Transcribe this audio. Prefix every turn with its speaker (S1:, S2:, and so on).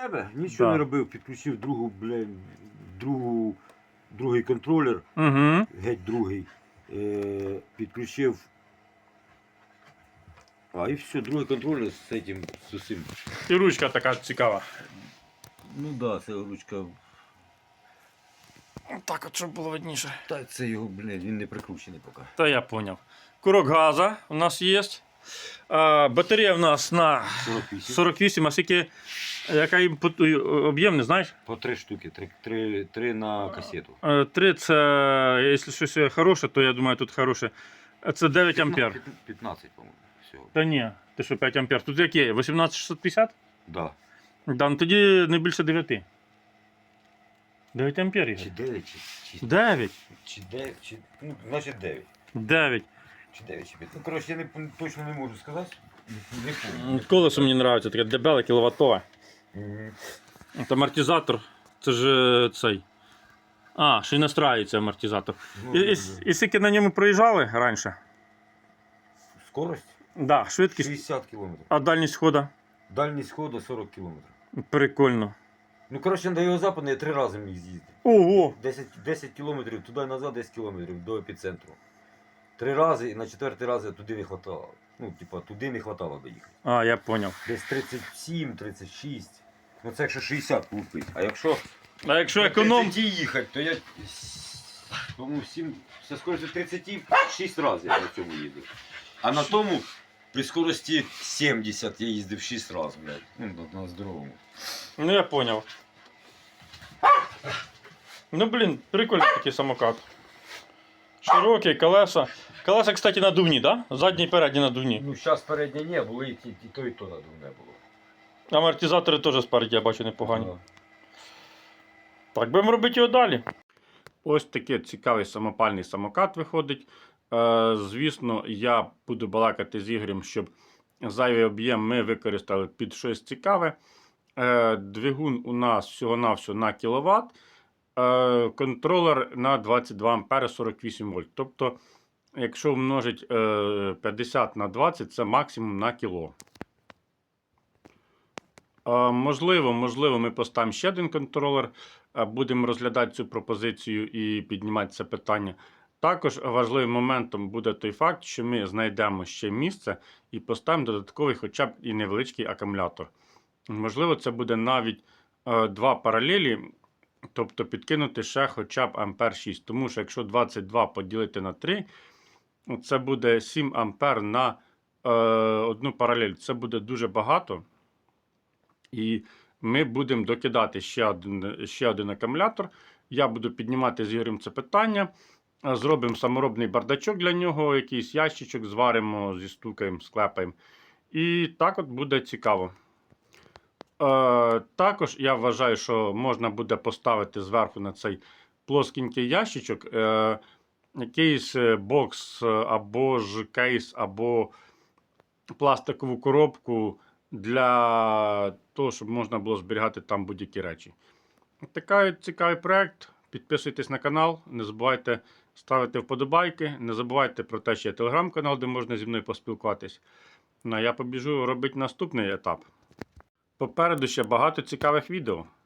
S1: себе, нічого
S2: Да.
S1: не робив, підключив другий контролер,
S2: Угу.
S1: геть другий. Підключив. І все, другий контролер з усім.
S2: І ручка така цікава.
S1: Ну да, це ручка.
S2: Так от, щоб було видніше.
S1: Та це його, він не прикручений поки.
S2: Та я поняв. Курок газа у нас є. Батарея у нас на 48, а скільки, яка об'єм, не знаєш?
S1: По 3 штуки, 3 на касету.
S2: 3 це, якщо щось хороше, то я думаю, тут хороше. Це 9 ампер.
S1: 15, по-моєму, всього.
S2: Та ні, ти що 5 ампер. Тут яке? 18650?
S1: Да.
S2: Да, ну тоді не більше 9. 9 ампер.
S1: Чи 9, чи
S2: 9.
S1: Чи 9, чи... Ну, значить 9.
S2: 9.
S1: Чи 9, чи 5. Ну, коротше, я точно не можу сказати. Не помню.
S2: Колесо мені подобається, таке дебеле, кіловатове. От амортизатор, це ж цей. Ще й настраюється амортизатор. І скільки на ньому проїжджали раніше?
S1: Скорость?
S2: Да, швидкість.
S1: 60 км.
S2: А дальність ходу?
S1: Дальність ходу 40 км.
S2: Прикольно.
S1: Ну, коротше, до його западу я 3 рази міг з'їздити.
S2: Ого!
S1: 10 кілометрів туди назад, 10 кілометрів до епіцентру. 3 рази і на 4-й раз туди не хватало. Ну, типа, туди не хватало би їхати.
S2: Я поняв.
S1: Десь 37, 36. Ну це якщо 60 купить. А якщо
S2: Економ.
S1: 30 їхати, то я по-моєму, все скорості 36 разів я на цьому їду. А на тому при скорості 70 я їздив 6 разів, блядь. Ну, на здоровому.
S2: Ну я поняв. Ну блін, прикольний такий самокат. Широкий, колеса. Колеса, кстати, надувні, да? Задні і передні надувні.
S1: Ну, зараз переднє не було, і то надувне було.
S2: Амортизатори теж спереді, я бачу, непогані.
S1: Ага.
S2: Так, будемо робити його далі. Ось такий цікавий самопальний самокат виходить. Звісно, я буду балакати з Ігорем, щоб зайвий об'єм ми використали під щось цікаве. Двигун у нас всього-навсього на кіловат. Контролер на 22 А 48 вольт. Тобто, якщо множить 50 на 20, це максимум на кіло. Можливо, ми поставимо ще один контролер, будемо розглядати цю пропозицію і піднімати це питання. Також важливим моментом буде той факт, що ми знайдемо ще місце і поставимо додатковий хоча б і невеличкий акумулятор. Можливо, це буде навіть 2 паралелі, тобто підкинути ще хоча б ампер 6. Тому що якщо 22 поділити на 3, це буде 7 ампер на одну паралель. Це буде дуже багато. І ми будемо докидати ще один акумулятор. Я буду піднімати з Ігорем це питання. Зробимо саморобний бардачок для нього, якийсь ящичок, зваримо, зістукаємо, склепаємо. І так от буде цікаво. Також я вважаю, що можна буде поставити зверху на цей плоскенький ящичок якийсь бокс, або ж кейс, або пластикову коробку для того, щоб можна було зберігати там будь-які речі. Такий цікавий проєкт. Підписуйтесь на канал, не забувайте ставити вподобайки, не забувайте про те, що є телеграм-канал, де можна зі мною поспілкуватись. Ну а я побіжу робити наступний етап. Попереду ще багато цікавих відео.